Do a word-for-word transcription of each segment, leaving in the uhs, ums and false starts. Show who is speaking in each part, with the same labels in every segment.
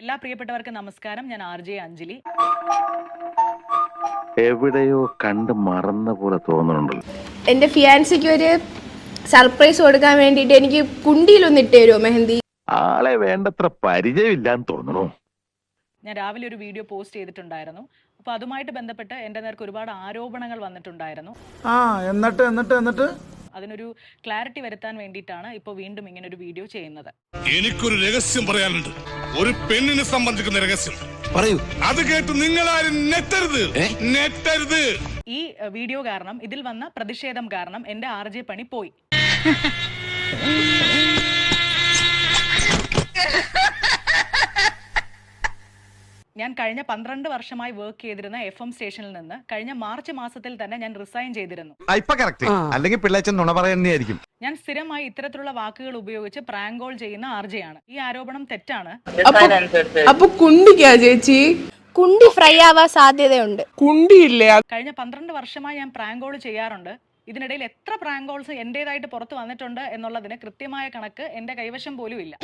Speaker 1: എല്ലാ പ്രിയപ്പെട്ടവർക്കും നമസ്കാരം. ഞാൻ ആർ ജെ അഞ്ജലി.
Speaker 2: എവിടെയോ കണ്ട് മറന്ന പോലെ തോന്നുന്നുണ്ടല്ലോ.
Speaker 3: എന്റെ ഫിയാൻസിക്ക് ഒരു സർപ്രൈസ് കൊടുക്കാൻ വേണ്ടിട്ട് എനിക്ക് കുണ്ടിയിലൊന്ന് ഇട്ട് തരുമോ മെഹന്തി?
Speaker 2: ആളെ വേണ്ടത്ര പരിചയമില്ലാന്ന് തോന്നുന്നു.
Speaker 1: ഞാൻ രാവിലെ ഒരു വീഡിയോ പോസ്റ്റ് ചെയ്തിട്ടുണ്ടായിരുന്നു. അപ്പൊ അതുമായിട്ട് ബന്ധപ്പെട്ട് എന്റെ നേർക്ക് ഒരുപാട് ആരോപണങ്ങൾ വന്നിട്ടുണ്ടായിരുന്നു.
Speaker 4: ആ എന്നിട്ട് എന്നിട്ട് എന്നിട്ട്
Speaker 1: അതിനൊരു ക്ലാരിറ്റി വരുത്താൻ വേണ്ടിയിട്ടാണ് ഇപ്പോൾ വീണ്ടും ഇങ്ങനെ ഒരു വീഡിയോ ചെയ്യുന്നത്.
Speaker 5: എനിക്കൊരു രഹസ്യം പറയാനുണ്ട്, ഒരു പെണ്ണിനെ സംബന്ധിക്കുന്ന രഹസ്യം.
Speaker 6: പറയൂ.
Speaker 5: അത് കേട്ട് നിങ്ങളാരും നെറ്റരുത് നെറ്റരുത്.
Speaker 1: ഈ വീഡിയോ കാരണം, ഇതിൽ വന്ന പ്രതിഷേധം കാരണം എന്റെ ആർ ജെ പണി പോയി. ഞാൻ കഴിഞ്ഞ പന്ത്രണ്ട് വർഷമായി വർക്ക് ചെയ്തിരുന്ന എഫ് എം സ്റ്റേഷനിൽ നിന്ന് കഴിഞ്ഞ മാർച്ച് മാസത്തിൽ തന്നെ ഞാൻ റിസൈൻ ചെയ്തിരുന്നു.
Speaker 6: അല്ലെങ്കിൽ പിള്ളേച്ചൻ നുണ പറയുന്നതായിരിക്കും.
Speaker 1: ഞാൻ സ്ഥിരമായി ഇത്തരത്തിലുള്ള വാക്കുകൾ ഉപയോഗിച്ച് പ്രാങ്ക് കോൾ ചെയ്യുന്ന ആർ ജെ ആണ്. ഈ ആരോപണം തെറ്റാണ്.
Speaker 3: അപ്പൊ കുണ്ടിക്കാ ചേച്ചി? കുണ്ടി ഫ്രൈ ആവാൻ സാധ്യതയുണ്ട്. കുണ്ടിയില്ലേ?
Speaker 1: കഴിഞ്ഞ പന്ത്രണ്ട് വർഷമായി ഞാൻ പ്രാങ്ക് കോൾ ചെയ്യാറുണ്ട്. ഇതിനിടയിൽ എത്ര പ്രാങ്ക് കോൾസ് എന്റേതായിട്ട് പുറത്ത് വന്നിട്ടുണ്ട് എന്നുള്ളതിന് കൃത്യമായ കണക്ക് എന്റെ കൈവശം പോലും ഇല്ല.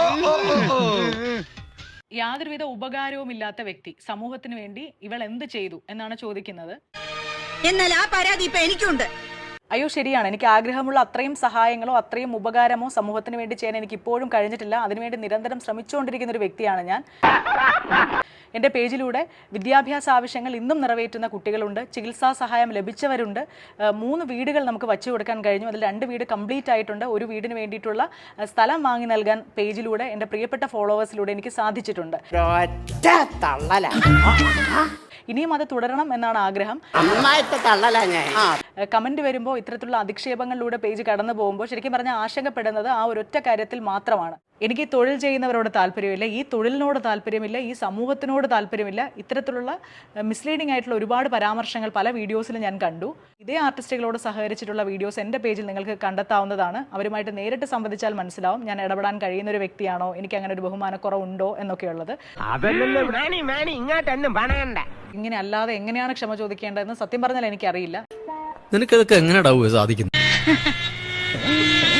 Speaker 1: യാതൊരുവിധ ഉപകാരവും ഇല്ലാത്ത വ്യക്തി, സമൂഹത്തിന് വേണ്ടി ഇവൾ എന്ത് ചെയ്തു എന്നാണ് ചോദിക്കുന്നത്.
Speaker 7: എന്നാൽ ആ പരാതി ഇപ്പൊ എനിക്കുണ്ട്.
Speaker 1: അയ്യോ ശരിയാണ്, എനിക്ക് ആഗ്രഹമുള്ള അത്രയും സഹായങ്ങളോ അത്രയും ഉപകാരമോ സമൂഹത്തിന് വേണ്ടി ചെയ്യാൻ എനിക്ക് ഇപ്പോഴും കഴിഞ്ഞിട്ടില്ല. അതിനുവേണ്ടി നിരന്തരം ശ്രമിച്ചുകൊണ്ടിരിക്കുന്ന ഒരു വ്യക്തിയാണ് ഞാൻ. എൻ്റെ പേജിലൂടെ വിദ്യാഭ്യാസ ആവശ്യങ്ങൾ ഇന്നും നിറവേറ്റുന്ന കുട്ടികളുണ്ട്, ചികിത്സാ സഹായം ലഭിച്ചവരുണ്ട്. മൂന്ന് വീടുകൾ നമുക്ക് വച്ചു കൊടുക്കാൻ കഴിഞ്ഞു. അതിൽ രണ്ട് വീട് കംപ്ലീറ്റ് ആയിട്ടുണ്ട്. ഒരു വീടിന് വേണ്ടിയിട്ടുള്ള സ്ഥലം വാങ്ങി നൽകാൻ പേജിലൂടെ എൻ്റെ പ്രിയപ്പെട്ട ഫോളോവേഴ്സിലൂടെ എനിക്ക് സാധിച്ചിട്ടുണ്ട്. ഇനിയും അത് തുടരണം എന്നാണ് ആഗ്രഹം. കമന്റ് വരുമ്പോൾ ഇത്തരത്തിലുള്ള അധിക്ഷേപങ്ങളിലൂടെ പേജ് കടന്നു പോകുമ്പോൾ ശരിക്കും പറഞ്ഞാൽ ആശങ്കപ്പെടുന്നത് ആ ഒരൊറ്റ കാര്യത്തിൽ മാത്രമാണ്. എനിക്ക് തൊഴിൽ ചെയ്യുന്നവരോട് താല്പര്യമില്ല, ഈ തൊഴിലിനോട് താല്പര്യമില്ല, ഈ സമൂഹത്തിനോട് താല്പര്യമില്ല. ഇത്തരത്തിലുള്ള മിസ്ലീഡിംഗ് ആയിട്ടുള്ള ഒരുപാട് പരാമർശങ്ങൾ പല വീഡിയോസിലും ഞാൻ കണ്ടു. ഇതേ ആർട്ടിസ്റ്റുകളോട് സഹകരിച്ചിട്ടുള്ള വീഡിയോസ് എൻ്റെ പേജിൽ നിങ്ങൾക്ക് കണ്ടെത്താവുന്നതാണ്. അവരുമായിട്ട് നേരിട്ട് സംവദിച്ചാൽ മനസ്സിലാവും ഞാൻ ഇടപെടാൻ കഴിയുന്ന ഒരു വ്യക്തിയാണോ, എനിക്ക് അങ്ങനെ ഒരു ബഹുമാനക്കുറവുണ്ടോ എന്നൊക്കെയുള്ളത്. ഇങ്ങനെ അല്ലാതെ എങ്ങനെയാണ് ക്ഷമ ചോദിക്കേണ്ടതെന്ന് സത്യം പറഞ്ഞാൽ എനിക്കറിയില്ല.
Speaker 8: നിനക്കതൊക്കെ എങ്ങനെയാ സാധിക്കുന്നത്?